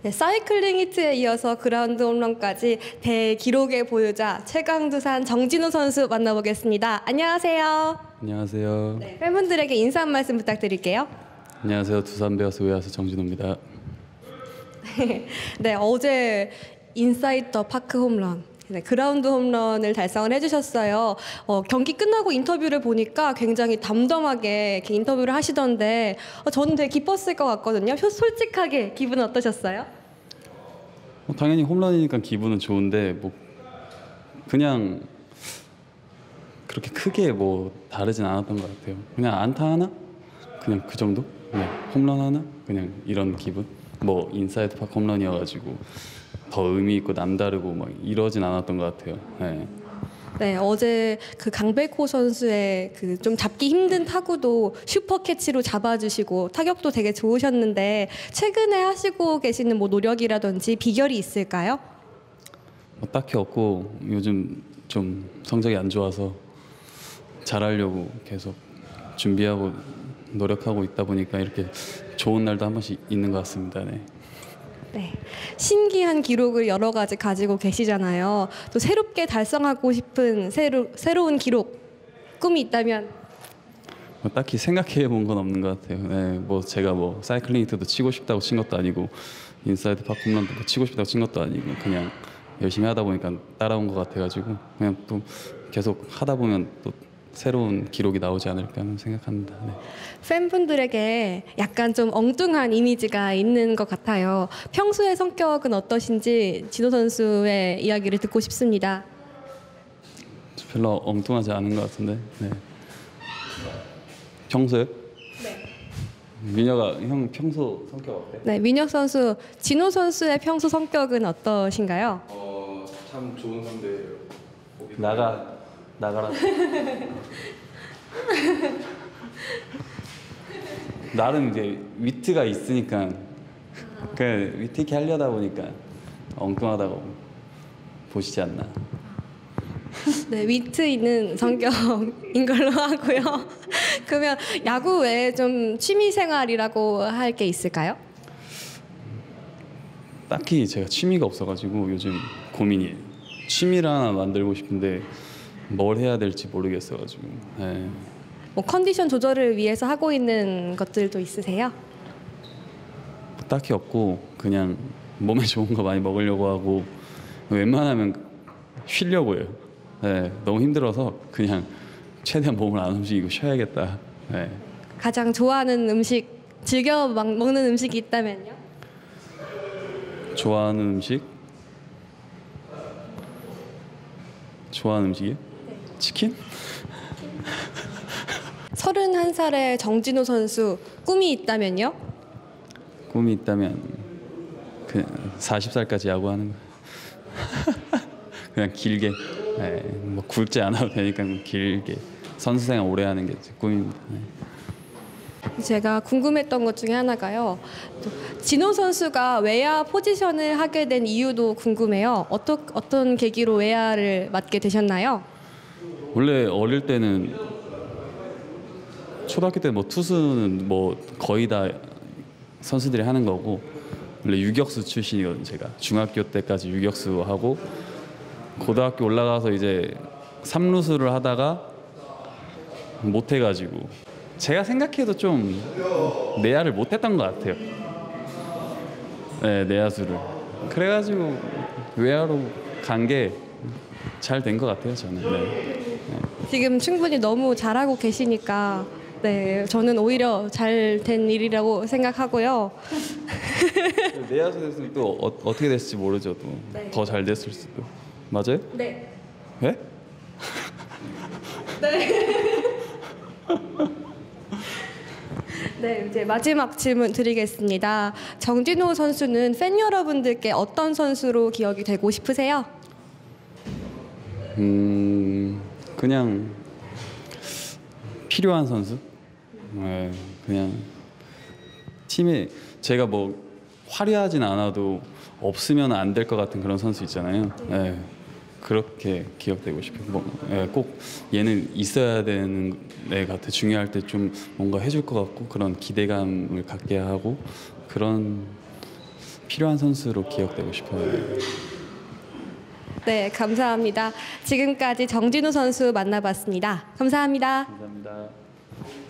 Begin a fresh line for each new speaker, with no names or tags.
네, 사이클링 히트에 이어서 그라운드 홈런까지 대기록의 보유자 최강두산 정진우 선수 만나보겠습니다. 안녕하세요.
안녕하세요.
네, 팬분들에게 인사 한 말씀 부탁드릴게요.
안녕하세요. 두산 베어스 외야수 정진우입니다.
네, 어제 인사이드 더 파크 홈런, 네, 그라운드 홈런을 달성을 해주셨어요. 경기 끝나고 인터뷰를 보니까 굉장히 담담하게 이렇게 인터뷰를 하시던데 저는 되게 기뻤을 것 같거든요. 솔직하게 기분은 어떠셨어요?
당연히 홈런이니까 기분은 좋은데 뭐 그냥 그렇게 크게 뭐 다르진 않았던 것 같아요. 그냥 안타 하나? 그냥 그 정도? 네, 홈런 하나? 그냥 이런 기분? 뭐 인사이드 파크 홈런이어가지고 더 의미 있고 남다르고 막 이러진 않았던 것 같아요. 네.
네, 어제 그 강백호 선수의 그 좀 잡기 힘든 타구도 슈퍼 캐치로 잡아주시고 타격도 되게 좋으셨는데 최근에 하시고 계시는 뭐 노력이라든지 비결이 있을까요?
딱히 없고 요즘 좀 성적이 안 좋아서 잘하려고 계속 준비하고 노력하고 있다 보니까 이렇게 좋은 날도 한 번씩 있는 것 같습니다. 네.
네, 신기한 기록을 여러 가지 가지고 계시잖아요. 또 새롭게 달성하고 싶은 새로운 기록, 꿈이 있다면?
딱히 생각해 본 건 없는 것 같아요. 네, 뭐 제가 뭐 사이클링 히트도 치고 싶다고 친 것도 아니고 인사이드 파크 홈런도 뭐 치고 싶다고 친 것도 아니고 그냥 열심히 하다 보니까 따라온 것 같아가지고 그냥 또 계속 하다 보면 또 새로운 기록이 나오지 않을까 생각합니다. 네.
팬분들에게 약간 좀 엉뚱한 이미지가 있는 것 같아요. 평소의 성격은 어떠신지 진호 선수의 이야기를 듣고 싶습니다.
별로 엉뚱하지 않은 것 같은데. 네. 평소요?
네.
민혁아, 형 평소 성격 어때?
네, 민혁 선수, 진호 선수의 평소 성격은 어떠신가요?
참 좋은 선배예요. 나가라. 나름 이제 위트가 있으니까 그 위트 있게 하려다 보니까 엉뚱하다고 보시지 않나.
네, 위트 있는 성격인 걸로 하고요. 그러면 야구 외에 좀 취미 생활이라고 할 게 있을까요?
딱히 제가 취미가 없어가지고 요즘 고민이에요. 취미를 하나 만들고 싶은데 뭘 해야 될지 모르겠어가지고. 네.
뭐 컨디션 조절을 위해서 하고 있는 것들도 있으세요?
딱히 없고 그냥 몸에 좋은 거 많이 먹으려고 하고 웬만하면 쉬려고 해요. 네, 너무 힘들어서 그냥 최대한 몸을 안 움직이고 쉬어야겠다. 네.
가장 좋아하는 음식, 즐겨 먹는 음식이 있다면요?
좋아하는 음식? 좋아하는 음식이요?
네.
치킨?
31살의 정진호 선수 꿈이 있다면요?
꿈이 있다면 그 40살까지 야구하는 거. 그냥 길게. 네, 뭐 굵지 않아도 되니까 길게 선수생활 오래 하는 게 제 꿈입니다. 네.
제가 궁금했던 것 중에 하나가요. 또 진호 선수가 외야 포지션을 하게 된 이유도 궁금해요. 어떤 계기로 외야를 맡게 되셨나요?
원래 어릴 때는 초등학교 때 뭐 투수는 뭐 거의 다 선수들이 하는 거고 원래 유격수 출신이거든요. 제가 중학교 때까지 유격수 하고 고등학교 올라가서 이제 3루수를 하다가 못 해가지고 제가 생각해도 좀 내야를 못했던 것 같아요. 네, 내야수를. 그래가지고 외야로 간 게 잘 된 것 같아요, 저는. 네.
지금 충분히 너무 잘하고 계시니까 네, 저는 오히려 잘 된 일이라고 생각하고요.
내야수 됐으면 또 어떻게 됐을지 모르죠. 또 더 잘 됐을 수도. 맞아요?
네.
네?
네. 네, 이제 마지막 질문 드리겠습니다. 정진호 선수는 팬 여러분들께 어떤 선수로 기억이 되고 싶으세요?
그냥 필요한 선수. 네, 그냥 팀에 제가 뭐 화려하진 않아도 없으면 안 될 것 같은 그런 선수 있잖아요. 네, 그렇게 기억되고 싶어요. 뭐, 네, 꼭 얘는 있어야 되는 애 같아. 중요할 때 좀 뭔가 해줄 것 같고 그런 기대감을 갖게 하고 그런 필요한 선수로 기억되고 싶어요.
네, 감사합니다. 지금까지 정진우 선수 만나봤습니다. 감사합니다.
감사합니다.